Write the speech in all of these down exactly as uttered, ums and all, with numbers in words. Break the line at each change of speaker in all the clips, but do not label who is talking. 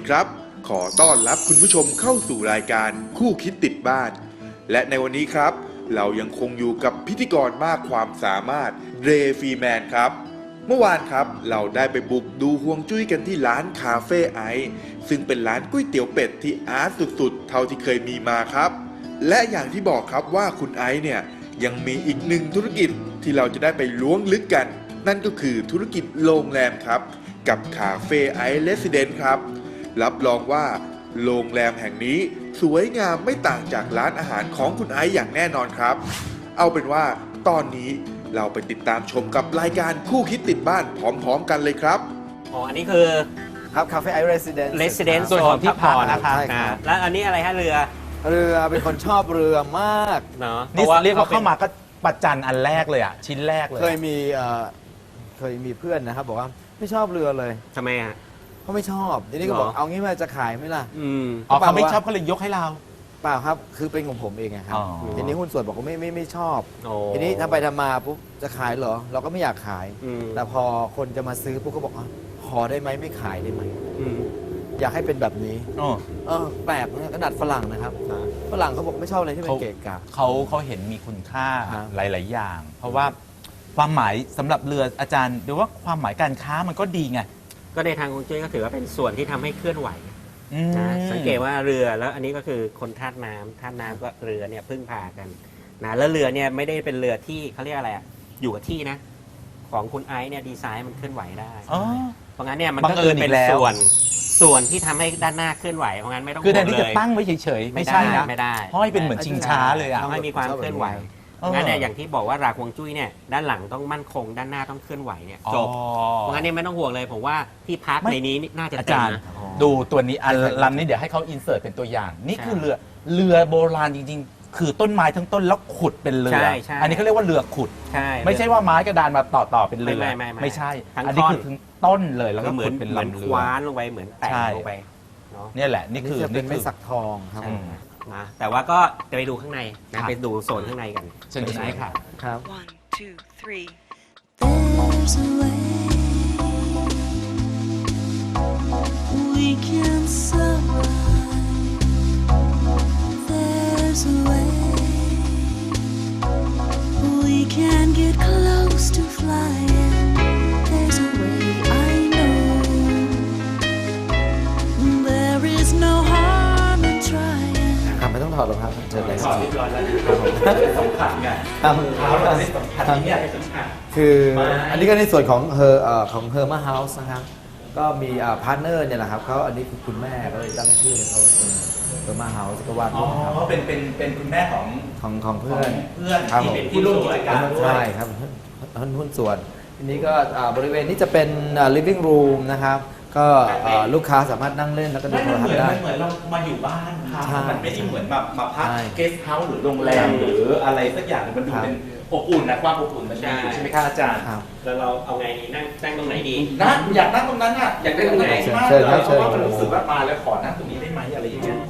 ครับขอต้อนรับคุณผู้ชมเข้าสู่รายการคู่คิดติดบ้านและในวันนี้ครับเรายังคงอยู่กับพิธีกรมากความสามารถเรย์ฟรีแมนครับเมื่อวานครับเราได้ไปบุกดูฮวงจุ้ยกันที่ร้านคาเฟ่ไอซ์ซึ่งเป็นร้านก๋วยเตี๋ยวเป็ดที่อาร์ตสุดๆเท่าที่เคยมีมาครับและอย่างที่บอกครับว่าคุณไอซ์เนี่ยยังมีอีกหนึ่งธุรกิจที่เราจะได้ไปล้วงลึกกันนั่นก็คือธุรกิจโรงแรมครับกับคาเฟ่ไอซ์เรสซิเดนต์ครับรับรองว่าโรงแรมแห่งนี้สวยงามไม่ต่างจากร้านอาหารของคุณไอซ์อย่างแน่นอนครับเอาเป็นว่าตอนนี้เราไปติดตามชมกับรายการคู่คิดติดบ้านพร้อมๆกันเลยครับ
อ๋ออันนี้คือ
ครับคาเฟ่ไอเรสซิเดนต์
Residence
ส่วนของที่พักนะครับ
ใช่ครับ
แล้วอันนี้อะไรฮะเรือ
เรือเป็นคนชอบเรือมาก
เนาะ
นี่
พะว่
เรียกว่าเข้ามาก็ประจันอันแรกเลยอ่ะชิ้นแรกเลย
เคยมีเอ่อเคยมีเพื่อนนะครับบอกว่าไม่ชอบเรือเลย
ทำไมอ่ะ
เขาไม่ชอบทีนี้ก็บอก
หรอ
เอางี้มาจะขายไหมล่ะ
อืม
อ๋อเขาไม่ชอบเขาเลยยกให้เรา
เปล่าครับคือเป็นของผมเองอะครับ
อ๋อ
ทีนี้หุ้นส่วนบอกว่าไม่ไม่ไม่ชอบ
โอ้
ทีนี้ทำไปทำมาปุ๊บจะขายเหรอ เราก็ไม่อยากขาย
อืม
แต่พอคนจะมาซื้อปุ๊บก็บอกว่าขอได้ไหมไม่ขายได้ไหม
อืม
อยากให้เป็นแบบนี้
อ๋อ
เออแปลกนะขนาดฝรั่งนะครับฝรั่งเขาบอกไม่ชอบอะไรที่เป็นเกะกะ
เขาเขาเห็นมีคุณค่า
ครับ
หลาย ๆ อย่าง เพราะว่าความหมายสำหรับเรืออาจารย์หรือว่าความหมายการค้ามันก็ดีไง
ก็ในทางฮวงจุ้ยก็ถือว่าเป็นส่วนที่ทำให้เคลื่อนไหว
อืม
นะสังเกตว่าเรือแล้วอันนี้ก็คือคนธาตุน้ำธาตุน้ำก็เรือเนี่ยพึ่งพากันนะแล้วเรือเนี่ยไม่ได้เป็นเรือที่เขาเรียกอะไรอ่ะอยู่กับที่นะ ของคุณไอซ์เนี่ยดีไซน์มันเคลื่อนไหวได้
อ๋อ
เพราะงั้นเนี่ยมัน
บั
ก็
งเอิ
คือ
ญอีก
เป็น
แล้ว
ส่วนส่วนที่ทำให้ด้านหน้าเคลื่อนไหวเพราะงั้นไม่ต้อง
คือแทน
ห่วง
ที่
เล
จะ
ย
ตั้งไว้เฉย ๆ ไม่
ไม่
ใช่
ได้
นะ
ไม่ได้
ห้อยเป็นเหมือนชิงช้าเลยอ่ะ
ต้องให้มีความเคลื่อนไหว
เออ
งั้นเนี่ยอย่างที่บอกว่าหลักฮวงจุ้ยเนี่ยด้านหลังต้องมั่นคงด้านหน้าต้องเคลื่อนไหวเนี่ยจบ
อ๋อ
เพราะงั้นเนี่ยไม่ต้องห่วงเลยผมว่าที่พัก
ไม่
ในนี้น่าจะ
อา
เต็ม
จารย์
นะ
ดูตัวนี้อันลำนี้เดี๋ยวให้เขาอินเสิร์ตเป็นตัวอย่าง นี่คือเรือเรือโบราณจริง ๆ คือต้นไม้ทั้งต้นแล้วขุดเป็นเรือ
ใช่ใช่
อันนี้เขาเรียกว่าเรือขุด
ใช่
ไม่ใช่ว่าไม้กระดานมาต่อต่อเป็นเรือ
ไม่ไม่ไม่ไม่
ไม่ใช่
ทั้ง
อันนี้
ท่อน
คือถึงต้นเลยแล้ว
ก็
ก็
เหมื
ขุ
อน
ดเป็น
เหมือน
ลำ
ค
เรือ
ว้านลงไปเหมือนแต่ง
ใช่
ลงไปเนาะ
เนี่ยแหละนี่
นี่
คือ
จะเป็น
นี่
ไม้
คือ
สักทองครับ
อืม
นะแต่ว่าก็จะไปดูข้างในนะครับ ไปดูโซนข้างในกัน
เชิญคุณไอซ์ค่ะ
ครับ
One, two, three.
There's a way we can survive. There's a way we can get close to flying. There's a way I know. There is no harm in trying.
ครับไม่ต้องถอดหรอกครับเชิญเลย
ถอดเรียบร้อยแล้วสำคัญไง
ครับ
เท้าเราได้สัมผัสที่เนี่ยสำคัญ
คืออันนี้ก็ในส่วนของเฮอร์ของเฮอร์มาเฮาส์นะครับ ก็มีพาร์ทเนอร์เนี่ยแหละครับเขาอันนี้คือคุณแม่ก็เลยตั้งชื่อเขาเป็นเฮอร์มาเฮาส์ก็วาด
อ๋
รู
อ
ปครับ
เป็นเป็นเป็นคุณแม่ของ
ของของเพื่อน
เพื่อน
ครับ
ที่เป็นผู้ร่วมกิจการด้วย
ใช่ครับหุ้นหุ้นส่วนทีนี้ก็อ่าบริเวณนี้จะเป็นอ่า living room นะครับ ก็อ่าลูกค้าสามารถนั่งเล่นแล้วก็ดู
ไม่
โท
มัน
ร
เห
ทัศ
มือน
น์ได้
มันเหมือนเรามาอยู่บ้านพัก
ใช่
มันไม่ได้เหมือนแบบมาพัก
ใช่
เกสต์เฮาส์หรือโรงแรมหรืออะไรสักอย่างมันดู
ครับ
เป็นอบอุ่นนะความอบอุ่นมันมีอยู่ใช่ไหมคะอาจารย์
ครับ
แล้วเราเอาไงดีนั่งนั่งตรงไหนดี
นั่งอยากนั่งตรงนั้นอ่ะอยากได้ตรงไหนมาก
เชิ
เล
ญครับ
ยเพราะว่า
เชิ
มัน
ญ
รู้สึกว่ามาแล้วขอนั่งตรงนี้ได้ไหมอะไรอย่างเงี้ย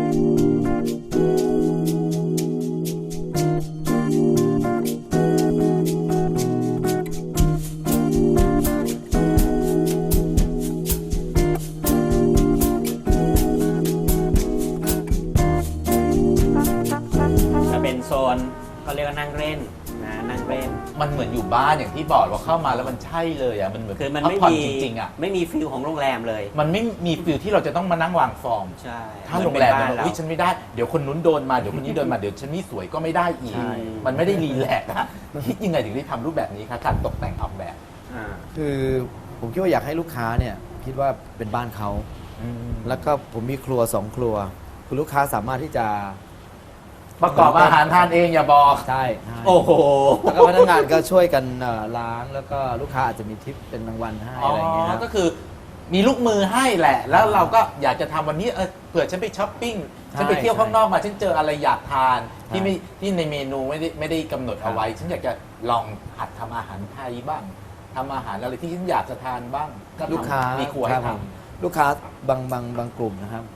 จะเป็นโซนเขาเรียกว่านั่งเล่นนะนั่งเล่น
มันเหมือนอยู่บ้านอย่างที่บอกว่าเข้ามาแล้วมันใช่เลยอ่ะมันเหมือน
คือมัน
พัก
ไม่
ผ่อน
มี
จริงๆอ่ะ
ไม่มีฟิลของโรงแรมเลย
มันไม่มีฟิลที่เราจะต้องมานั่งวางฟอร์ม
ใช่
ถ้าโรงแรม
เห
เนี่ย
อน
อุ้ยฉันไม่ได้เดี๋ยวคนนู้นโดนมาเดี๋ยวคนนี้โดนมาเดี๋ยวฉันไม่สวยก็ไม่ได้อีก
ใช่
มันไม่ได้รีแลกซ์อะคิดยังไงถึงได้ทำรูปแบบนี้คะการตกแต่งออกแบบ
อ่า
คือผมคิดว่าอยากให้ลูกค้าเนี่ยคิดว่าเป็นบ้านเขา แล้วก็ผมมีครัวสองครัวคือลูกค้าสามารถที่จะ
ประกอบอาหารทานเองอย่าบอก
ใช่ใช่
โอ้โห
แล้วก็พนักงานก็ช่วยกันเอ่อล้างแล้วก็ลูกค้าอาจจะมีทิปเป็นรางวัลให้อะไรอย่างเงี้ยครับ
ก็คือมีลูกมือให้แหละ แล้วเราก็อยากจะทำวันนี้เออเผื่อฉันไปช้อปปิ้ง
ใช่
ฉันไปเที่ยวข้างนอกมาฉันเจออะไรอยากทาน
ใช่
ที่ไม่ที่ในเมนูไม่ได้ไม่ได้กำหนด
ครับ
เอาไว้ ฉันอยากจะลองหัดทำอาหารไทยบ้างทำอาหารอะไรที่ฉันอยากจะทานบ้างก็ทำ
ลูกค้า
มีครัว
ค
ให้
รับ
ท
ผมลูกค้าบางบางบางกลุ่มนะครับ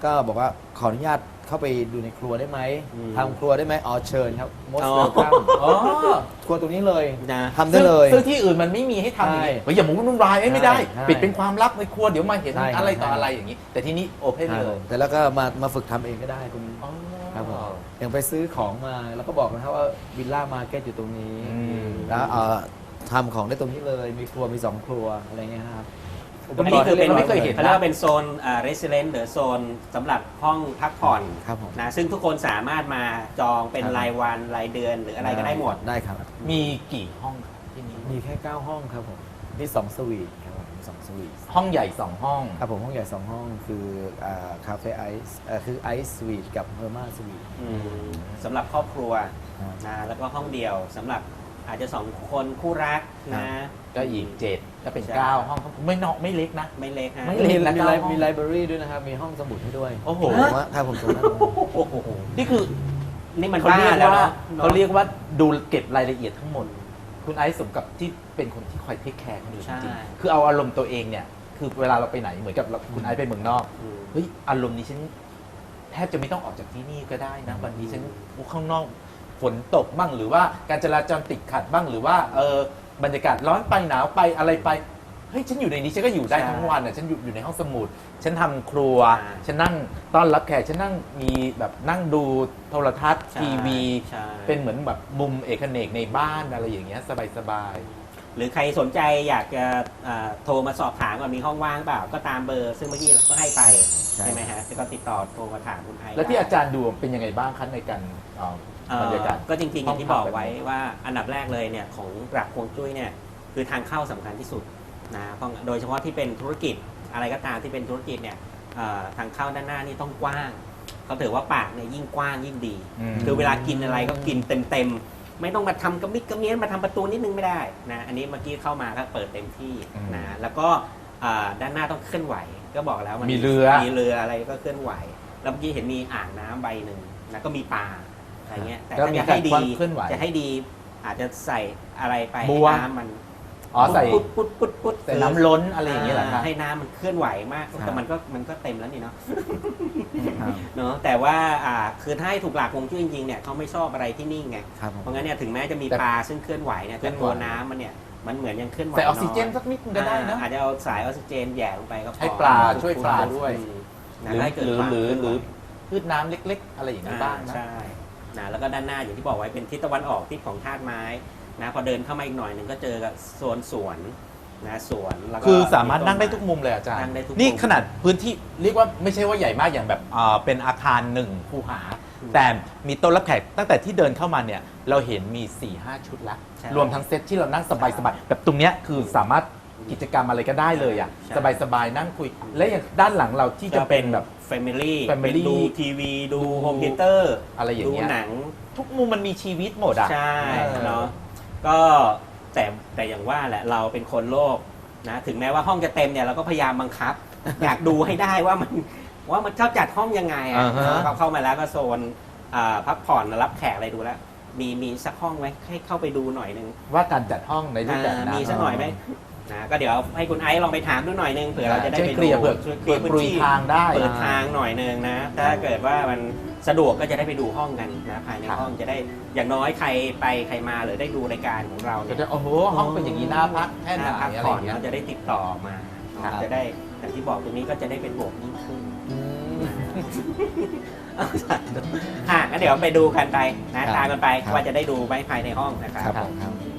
ก็บอกว่าขออนุญาตเข้าไปดูในครัวได้ไหม
อืม
ทำครัวได้ไหมอ๋อเชิญครับ most
อ๋อ
welcome
อ๋อ
ครัวตรงนี้เลย
นะ
ทำได้เลย
ซึ่งซึ่งที่อื่นมันไม่มีให้ทำอย่างนี้
ใช่
เฮ้ยอย่ามุ่งนุ่นวายเอ้ยไม่ได้
ใช่
ปิดเป็นความลับในครัวเดี๋ยวมาเห็น
ใช่ครับ
อะไรต่อ
ใช่
อะไรอย่างนี้ แต่ที่นี่โอเพน
ครั
เล
บ
ย
แต่แล้วก็มามาฝึกทำเองก็ได้คุณ
อ๋อ
ครับผมอย่างไปซื้อของมาแล้วก็บอกนะครับว่าวิลล่ามาร์เก็ตอยู่ตรงนี้
อืม
แล้วเอ่อทำของได้ตรงนี้เลยมีครัวมีสองครัวอะไรเงี้ยครับ
อันนี้คือเป็น
ไม่เคยเห็นนะ
เขาเรียกว่าเป็นโซนอ่า resident หรือโซนสำหรับห้องพักผ่อน
ครับผม
นะซึ่งทุกคนสามารถมาจองเป็น
ครับ
รายวันรายเดือนหรืออะไรก็ได้หมด
ได้ครับ
มีกี่ห้องครับที่นี่
มีแค่เก้าห้องครับผมมีสองสวีทครับผมมีสองสวีท
ห้องใหญ่สองห้อง
ครับผมห้องใหญ่สองห้องคือคาเฟ่ไอซ์คือไอซ์สวีทกับเฮอร์มาสวีท
อืมสำหรับครอบครัว
ครับ
นะแล้วก็ห้องเดียวสำหรับอาจจะสองคนคู่รักนะ
ก็อีกเจ็ดก็เป็น
ใช่
เก้าห้องไม่เนาะไม่เล็กนะ
ไม่เล็กฮะ
ไม่
มี
เล็ก
มี
นะ
ไล
เก้าห้อง
มีไลบรารีด้วยนะครับ มีห้องสมุดให้ด้วย
โอ้โห
ผมว่าถ้าผมตรงนั้น
โอ้โห
นี่คือ
นี่มัน
เขา
บ้า
เรียก
แล้ว
ว่า
เนาะ
เขาเรียกว่าดูเก็บรายละเอียดทั้งหมด คุณไอซ์สมกับที่เป็นคนที่คอยเทคแคร์คนอื่นจริงๆคือเอาอารมณ์ตัวเองเนี่ย คือเวลาเราไปไหนเหมือนกับเราคุณไอซ์ไปเมืองนอก
อืม
เฮ้ยอารมณ์นี้ฉันแทบจะไม่ต้องออกจากที่นี่ก็ได้นะ วันนี้ฉันข้างนอกฝนตกบ้างหรือว่าการจราจรติดขัดบ้างหรือว่าเออบรรยากาศร้อนไปหนาวไปอะไรไปเฮ้ยฉันอยู่ในนี้ฉันก็อยู่ได้ทั้งวันอ่ะฉันอยู่อยู่ในห้องสมุด ฉันทำครัว
ใช่
ฉันนั่งต้อนรับแขกฉันนั่งมีแบบนั่งดูโทรทัศน์
ใช่
ทีวี
ใช่
เป็นเหมือนแบบมุมเอกเนกในบ้านอะไรอย่างเงี้ยสบาย
หรือใครสนใจอยากจะอ่าโทรมาสอบถามว่ามีห้องว่างเปล่าก็ตามเบอร์ ซึ่งเมื่อกี้ก็ให้ไป
ใช่
ใช่ไหมฮะก็ติดต่อโทรมาถามคุณไอ
ๆ แล้วที่อาจารย์ดูเป็นยังไงบ้างคะในการเอ่อ
เอ่อบ
รรยากาศ
ก็จริงๆอย่างที่
ห้
บ
องพัก
อกไว้
แบบนี้
ว่าอันดับแรกเลยเนี่ยของหลักฮวงจุ้ยเนี่ยคือทางเข้าสำคัญที่สุดนะเพราะโดยเฉพาะที่เป็นธุรกิจอะไรก็ตามที่เป็นธุรกิจเนี่ยเอ่อทางเข้าด้านหน้านี่ต้องกว้างเขาถือว่าปากเนี่ยยิ่งกว้างยิ่งดี
อืม
คือเวลากินอะไรก็กินเต็มๆไม่ต้องมาทำกระมิดกระเมียนมาทำประตูนิดนึงไม่ได้นะอันนี้เมื่อกี้เข้ามาก็เปิดเต็มที่นะแล้วก็อ่าด้านหน้าต้องเคลื่อนไหวก็บอกแล้วมัน
มีเรือ
มีเรืออะไรก็เคลื่อนไหว แล้วเมื่อกี้เห็นมีอ่างน้ำใบหนึ่งแล้วก็มีปลาอะไรเงี้ยแต่
ก็
ถ้า
มี
จะ
การ
ให้ดี
เคลื่อนไหว
จะให้ดีอาจจะใส่อะไรไป
บั
ให้
ว
น้ำมัน
อ๋อใส่
ปุ๊ดปุ๊ดปุ๊ดปุ๊ด
ใส่น้ำล้นอะไรอย่างเงี้ยเหรอคะ
ให้น้ำมันเคลื่อนไหวมาก
ครับ
แต่มันก็มันก็เต็มแล้วนี่เนาะ
ครับ
เนาะแต่ว่าอ่าคือถ้าให้ถูกหลักฮวงจุ้ยจริงๆเนี่ยเขาไม่ชอบอะไรที่นิ่งไง
ครับผม
เพราะงั้นเนี่ยถึงแม้จะมี
แต่
ปลาซึ่งเคลื่อนไหวเนี่ย
เคลื่
แต่
อนไหว
ตัวน้ำมันเนี่ยมันเหมือนยังเคลื่อนไหว
ใส่ออกซิเจน
ย
สักนิดนึงก็ได้นะ
อ่าอาจจะเอาสายออกซิเจนแหย่ลงไปก็พอ
ให้ปลาช่วยปลาด้วย
อืม
ห
นะ
รือ
ให้เกิด
หรือ
ความ
หรือ
เคลื่น
ห
ไหว
รือพืชน้ำเล็ก ๆ อะไรอย่างนี้บ้างนะ
ใช่นะแล้วก็ด้านหน้าอย่างที่บอกไว้เป็นทิศตะวันออกทิศของธาตุไม้นะพอเดินเข้ามาอีกหน่อยหนึ่งก็เจอกับโซนสวนนะสวนแล้วก็
คือสามารถนั่งได้ทุกมุมเลยอาจารย์
นั่งได้ทุกมุม
นี่ขนาดพื้นที่เรียกว่าไม่ใช่ว่าใหญ่มากอย่างแบบอ่าเป็นอาคารหนึ่งคูหา
อืม
แต่มีโต๊ะรับแขกตั้งแต่ที่เดินเข้ามาเนี่ยเราเห็นมี สี่ห้า ชุดละ
ใช่
รวมทั้งเซตที่เรานั่งสบายๆแบบตรงเนี้ยคือสามารถกิจกรรมอะไรก็ได้เลยอ่ะ
ใช่
สบายๆนั่งคุย และอย่างด้านหลังเราที่จะเป็นแบบ
แฟมิลี่
Family
ดูทีวีดู
ดู
โฮมเธียเตอร์
อะไรอย่างเงี้ย
ดูหนัง
ทุกมุมมันมีชีวิตหมดอ่ะ
ใช่
เออ
เนาะก็แต่แต่อย่างว่าแหละเราเป็นคนโลภนะถึงแม้ว่าห้องจะเต็มเนี่ยเราก็พยายามบังคับ อยากดูให้ได้ว่ามันว่ามันเขาจัดห้องยังไงอ่ะ
อ่าฮะ
เขาเข้ามาแล้วก็โซนอ่าพักผ่อนรับแขกอะไรดูแล้ว มีมีสักห้องไหมให้เข้าไปดูหน่อยนึง
ว่าการจัดห้องในรูปแบบ
อ่า
นั้น
มีสักหน่อยไหมนะก็เดี๋ยวให้คุณไอซ์ลองไปถามดูหน่อยนึงเผื่อเราจะได้
ช่วย
ไป
เคลียร์เผื่อ
ช่วยเค
เผื่
ลีย
อ
ร์พื้
ปรุ
น
ย
ที่
ทางได้
เปิดทางหน่อยนึงนะ ถ้าเกิดว่ามันสะดวกก็จะได้ไปดูห้องกันนะภายใน
ครับ
ห้องจะได้อย่างน้อยใครไปใครมาหรือได้ดูรายการของเรา
จะ
เนี่ย
ได้โอ้โหห้องเป็นอย่างนี้น่าพักแค่ไหน
น่าพัก
อะไร
ผ่
อ
อน
ย่างเงี้ย
แล้วจะได้ติดต่อมา
ครับ
จะได้อย่างที่บอกตรงนี้ก็จะได้เป็นบวกยิ่งขึ้น
อืม
อ่ะงั้นเดี๋ยวไปดูกันไปนะ
ครับ
ตามกันไป
ครับ
ว่าจะได้ดูไหมภายในห้องนะครับ
ครับผมครับ